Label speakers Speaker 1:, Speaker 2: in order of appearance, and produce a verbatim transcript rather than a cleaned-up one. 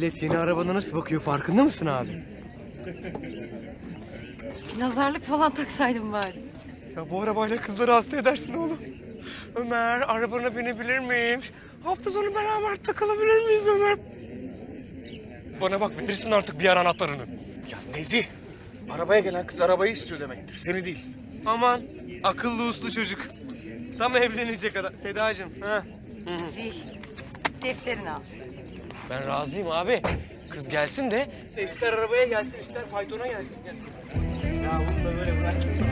Speaker 1: Millet yeni arabana nasıl bakıyor farkında mısın abi?
Speaker 2: Bir nazarlık falan taksaydım bari.
Speaker 1: Ya bu arabayla kızları hasta edersin oğlum. Ömer, arabana binebilir miyim? Hafta sonu beraber takılabilir miyiz Ömer? Bana bak, verirsin artık bir yer anahtarını.
Speaker 3: Ya Nezih, arabaya gelen kız arabayı istiyor demektir, seni değil.
Speaker 1: Aman, akıllı uslu çocuk. Tam evlenecek adam. Sedacığım, ha?
Speaker 2: Zih, defterini al.
Speaker 1: Ben razıyım abi. Kız gelsin de ister arabaya gelsin, ister faytona gelsin. Ya, ya bunu da böyle bırak.